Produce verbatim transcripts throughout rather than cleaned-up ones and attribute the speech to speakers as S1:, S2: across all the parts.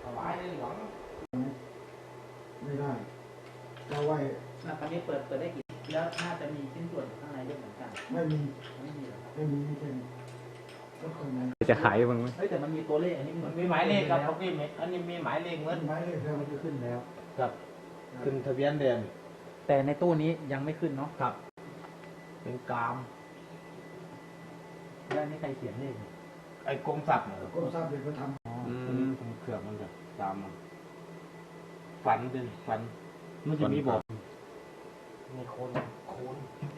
S1: ถวายในหลวง
S2: ไม่ได้เราไว้
S3: คราวนี้เปิดเปิดได้กี่แล้วน่าจะมีชิ้นส่วนข้างในด้วยเหมือนกัน
S2: ไม่มี
S3: ไม่มีหรอ
S2: ไม่มีไม่ใช่ก็คนไหน
S4: จะขายบ้างไหม
S3: เฮ้ยแต่มันมีตัวเลขอันนี้
S1: มันมีหมายเลขครับพวกนี้อันนี้มีหมายเลขเหมือน
S2: หมายเลขแล้วมันจะขึ้นแล้ว
S1: ครับขึ้นทะเบียนแดง
S3: แต่ในตู้นี้ยังไม่ขึ้นเนาะ
S1: ครับเป็นกาม
S3: แล้วนี่ใครเขียนเลข
S1: ไอ้กรมศักดิ์เนี่ย
S2: ก็ทราบเลยก็ทำ
S1: อืมเครื่องมันจะตามมันฝันเป็นฝันมันจะมีบอกมีคนคน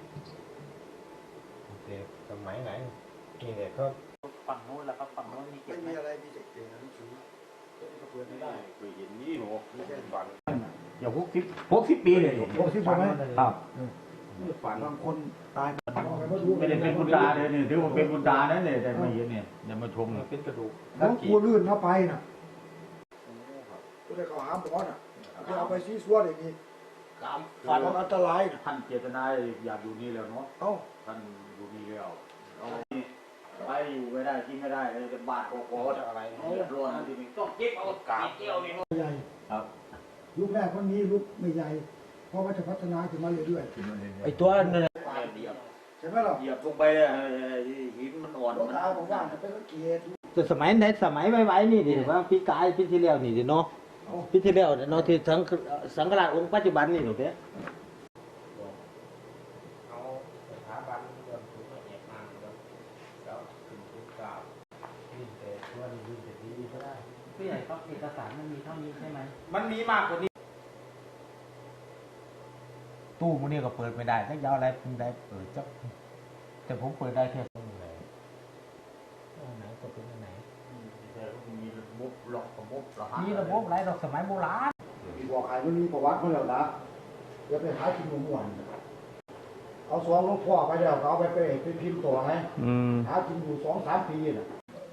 S1: เด็กสมัยไหนนี่เด็กก็
S3: ฝั่งโน้นแล้วครับฝั่งโน้นมีเก็
S2: ไม่
S3: บไหม
S2: มีอะไรมีแต่เก่งหนังสือก็เปิดไม่ได้
S1: เคยเห็นนี่หนู
S2: ไม่ใช่ฝัน
S1: อย่าพกสิบพกสิบปีเลย
S2: พกสิบใช่ไหม
S1: ครับ
S2: ฝันบางคนตาย
S1: ไม่ได้เป็นบุญตาเลยเนี่ยถือว่าเป็นบุญตานั่นเลยแต่มาเห็นเนี่ยเดี๋ยวมาชมเป็นกระดูก
S2: น้องกลัวลื่นเข้าไปน่ะก็เลยเขาหาหมอน่ะจะเอาไปซีซัวอย่างนี้
S1: กาม
S2: ฝันอันตราย
S1: ท่านเจตนาอยากอยู่นี่แล้วเนาะ
S2: เอ้า
S1: ท่านอยู่นี่แล้วเอาไปอยู่ไม่ได้กินไม่ได้เลยจะบาดคอจะอะไรเดือดร้อนทีนี้ต้องเก็บเอากาบเกี่ยวนี่
S2: ใหญ่
S1: ครับ
S2: ลูกแรกคนนี้ลูกไม่ใหญ่เพราะว่าจะพัฒนาขึ้นมาเรื่อย
S1: ๆไอ้ตัวนั่น
S2: ใช่ไหมล่ะ
S1: เหยียบลงไปหินมันอ่อน
S2: มันตาผมว่าจะเป็นเกียรติ
S5: แต่สมัยไหนสมัยไว้ๆนี่ดิว่าพี่กายพี่ที่แล้วนี่ดิเนาะพี่ที่แล้วเนาะที่สังสังฆราชองค์ปัจจุบันนี่หนูเด้
S1: เอาสถาบันเรื่องถึงละเอียดมากแล้วแล้วถึงทุกกล่าวยิ่งแต่ตัวนี้ยิ่งแต่ดีก็ได้
S3: ผู้ใหญ่ครับเอกสารมันมีเท่านี้ใช่ไหม
S1: มันมีมากกว่านี้ตู้พวกนี้ก็เปิดไม่ได้ถ้ายาวอะไรผมได้เปิดจับแต่ผมเปิดได้แค่ตรงไหน
S3: ตรงไหนก็เป็นอันไหน
S1: แต่มีระบบหลอกระบบรหัส
S3: มีระบบไรดอกสมัยโบราณ
S2: บอกขายมันมีประวัติเขาแล้วนะเดี๋ยวไปหากินหมูหวานเอาซองหลวงพ่อไปแล้วเขาเอาไปไปพิมพ์ต่อไงหากินอยู่สองสามปีน่ะ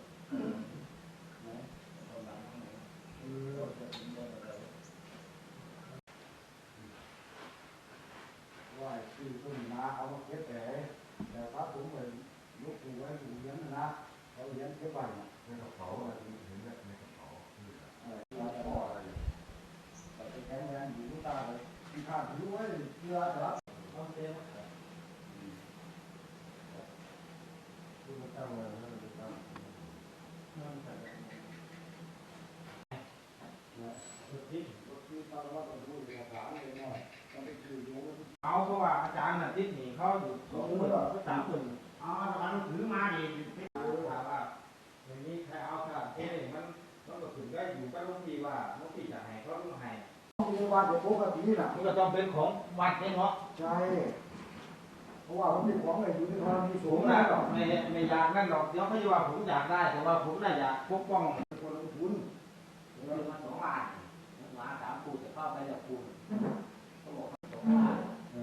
S2: ว่าชื่อต้นนาเอามาเก็บแต่แต่พระผมเลยยกตัวไว้อยู่เลี้ยงนะเขาเลี้ยงเก็บไว้ในกระเป๋าอะไรเห็นแล้วในกระเป๋าอะไรพ่ออะไรแต่แข็งแรงอยู่ทุกตาเลยที่ข้าถือไว้เพื่อรับต้องเต็มคือมันตั้งเลยนะมันตั้งนั่นแต่
S1: เอาเพราะว่าอาจารย์น่ะทิศหนีเขาอยู่สองหมื่นสามหมื่นเอาอาจารย์ถือมาดิถามว่าอย่างนี้ใครเอาขนาดเท่มันมันก็ถึงได้อยู่ใกล้ลูกพี่ว่าลูกพี่จะให้เขาต้องให้
S2: มีวัดเป็นปกติน่ะ
S1: มันก็ต้องเป็นของวัดเนี่ยเนาะ
S2: ใช่เพราะว่ามันเป็นของอะไรอยู่ในธรณีสู
S1: งนะไม่ไม่อยากนั่นหรอกเดี๋ยวเขาจะว่าผมอยากได้แต่ว่าผมน่ะอยากปกป้อง
S2: คนลงทุน
S3: เรามาสองล้านล้านสามปูจะเข้าไปจากปูเขาบอกสองล้าน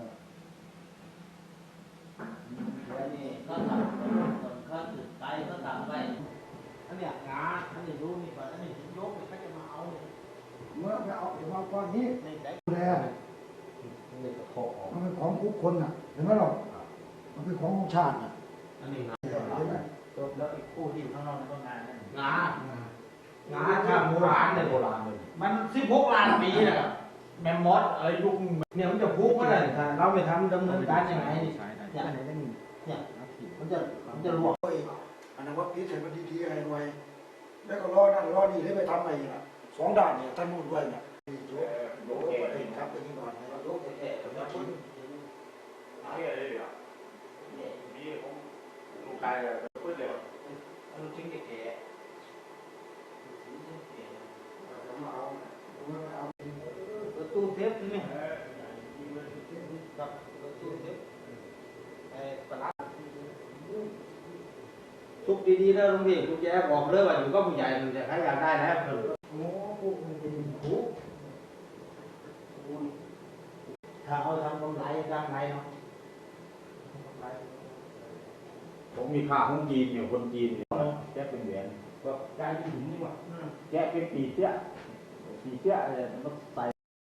S3: แล้วนี่ก็ทำส่วนเขาจุดไฟก็ทำไว้อันเนี้ยงาอันนี้รู้นี่ก่อนอันนี้ยกเขาจะมาเอาเนี่ย
S2: เมื่อไปเอาเดี๋ยวมาก้อนนี้ดูแลมันเป็นของทุกคนน่ะเห็นไหมหรอมันเป็นของของชาติน่ะ
S1: อันนี้งา
S2: ใช่ไหม
S3: แล้วอีกคู่ที่อยู่ข้างนอกนั่นก็งานนั่น
S1: งางาข้ามโบราณเลยโบราณเลยมันสิบหกล้านปีนะครับแมมมอสเอ้ยยุคเนี่ยมันจะพุกเมื่อไหร่เราไปทำดำเนินการยังไง
S3: เนี่ยเนี่ยมันจะมันจะรวม
S2: อันนั้นว่าพิเศษมันดีๆอะไรหน่อยแล้วก็รอนั่นรอนี่ให้ไปทำอะไรสองด้านเนี่ยท่านนู่นด้วยเนี่ยโยกโยกไปครับไปนี่ก่อนโยกแค่ๆแล้วชิ้น
S1: นี่อะไรอ่ะนี่ผมลูกชายพูดเลย
S3: ลูกชิ้นแก่ประตูเทปนี่กับประตูเทปไอ้ปลา
S5: ทุกดีๆนะลุงพี่คุณแจ๊บอกเลยว่าอยู่ก็ผู้ใหญ่มันจะใครอยากได้แล้ว
S2: โอ้พวกมันเป็นผู
S3: ถ้าเอาทำกำไรกำไรเนาะ
S1: ผมมีค่าของจีนอยู่คนจีนแจ๊เป็นเหรียญก็ใจถึงนี่ว่าแจ๊เป็นปีเสี้ยปีเสี้ยอะไรมันใส่